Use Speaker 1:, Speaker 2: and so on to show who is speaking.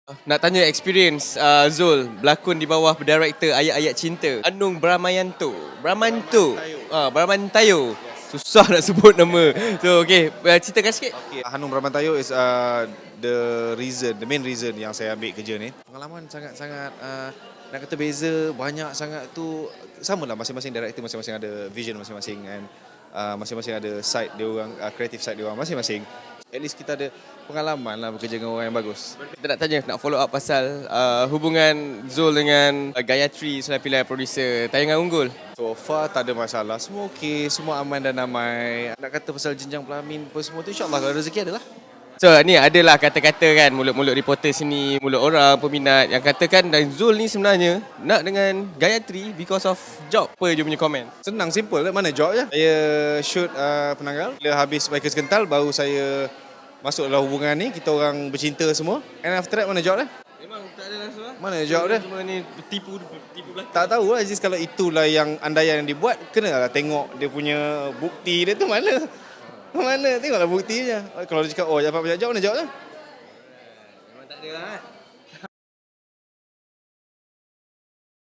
Speaker 1: Nak tanya experience Zul berlakon di bawah director Ayat-Ayat Cinta Anung Bramayanto. Bramantayo. Susah nak sebut nama. So okay, ceritakan sikit.
Speaker 2: Okay, Hanung Bramantayur is the main reason yang saya ambil kerja ni. Pengalaman sangat-sangat nak kata beza, banyak sangat tu. Sama lah, masing-masing director masing-masing ada vision masing-masing, and masing-masing ada side dia orang, creative side dia orang masing-masing. At least kita ada pengalaman lah bekerja dengan orang yang bagus.
Speaker 1: Kita nak tanya, nak follow up pasal hubungan Zul dengan Gayatri selain pilihan producer Tayangan Unggul.
Speaker 2: So far tak ada masalah, semua okey, semua aman dan damai. Nak kata pasal jenjang pelamin apa semua tu, insyaAllah kalau rezeki adalah.
Speaker 1: So ni adalah kata-kata kan, mulut-mulut reporter sini, mulut orang, peminat yang katakan dan Zul ni sebenarnya nak dengan Gayatri because of job. Apa je punya komen?
Speaker 2: Senang, simple, mana job je. Saya shoot Penanggal, bila habis Bikers Kental baru saya masuk dalam hubungan ni, kita orang bercinta semua. And after that mana job dia?
Speaker 1: Memang tak ada langsung lah.
Speaker 2: Mana job dia?
Speaker 1: Semua ni tipu belakang.
Speaker 2: Tak tahu lah, Aziz, kalau itulah yang andaian yang dibuat, kenalah tengok dia punya bukti dia tu mana. Mana, tengoklah buktinya. Kalau dia cakap, oh dapat banyak job, mana job dia?
Speaker 1: Memang tak ada lah.